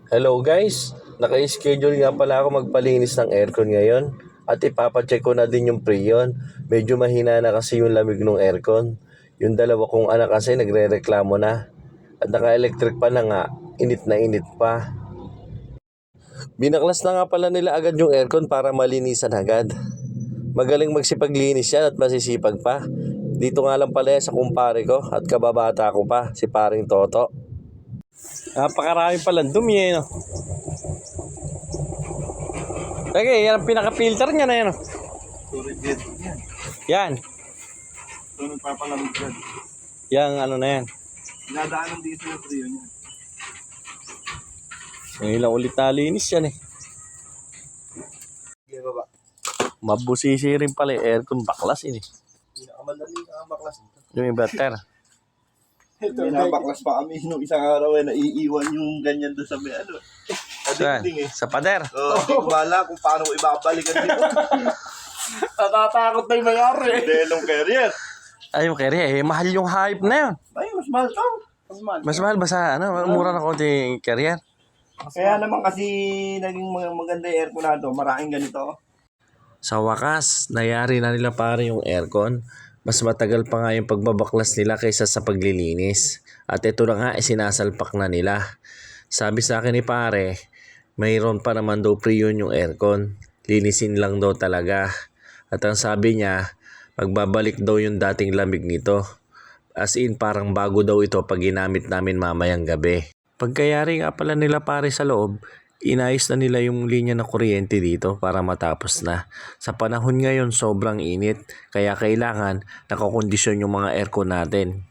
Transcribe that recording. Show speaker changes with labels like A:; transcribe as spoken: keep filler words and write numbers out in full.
A: Hello guys, naka-schedule nga pala ako magpalinis ng aircon ngayon at ipapacheck ko na din yung preyon. Medyo mahina na kasi yung lamig ng aircon. Yung dalawa kong anak kasi nagre-reklamo na at naka-electric pa na nga, init na init pa. Binaklas na nga pala nila agad yung aircon para malinisan agad. Magaling magsipaglinis yan at masisipag pa. Dito nga lang pala yan sa kumpare ko at kababata ko pa, si paring Toto. Napakarami palang dumi eh, no? Okay, yan ang pinaka-filter niya na yan, no?
B: Turigid.
A: Yan.
B: Ito nagpapalamig yan.
A: Yang ano na yan.
B: Nadaan ng diesel na trio niya.
A: Ngayon lang ulit nalinis yan eh.
B: Sige baba.
A: Mabusisi rin pala yung aircon, baklas yun eh.
B: Pinakamadali ang baklas nito.
A: Yung inverter.
B: Pinabaklas pa kami nung isang araw eh, naiiwan yung ganyan doon sa may ano. Sa
A: Saan?
B: dingding eh.
A: Sa pader.
B: Oo, hindi ko bala kung paano ko ibabalikan dito.
C: Natatakot na yung mayari.
B: Delong carrier.
A: Ay, yung carrier eh. Mahal yung hype na yun.
B: Ay, mas mahal to.
C: Mas mahal.
A: Mas mahal ba sa ano? Mura na konti yung carrier.
B: Kaya naman kasi naging mag- maganda yung aircon na to. Maraming ganito.
A: Sa wakas, nayari na nila pare yung aircon. Mas matagal pa nga yung pagbabaklas nila kaysa sa paglilinis. At ito na nga, sinasalpak na nila. Sabi sa akin ni pare, mayroon pa naman daw pre-yun yung aircon. Linisin lang daw talaga. At ang sabi niya, magbabalik daw yung dating lamig nito. As in, parang bago daw ito pag ginamit namin mamayang gabi. Pagkayari nga pala nila pare sa loob, inayos na nila yung linya ng kuryente dito para matapos na. Sa panahon ngayon sobrang init, kaya kailangan nakakondisyon yung mga aircon natin.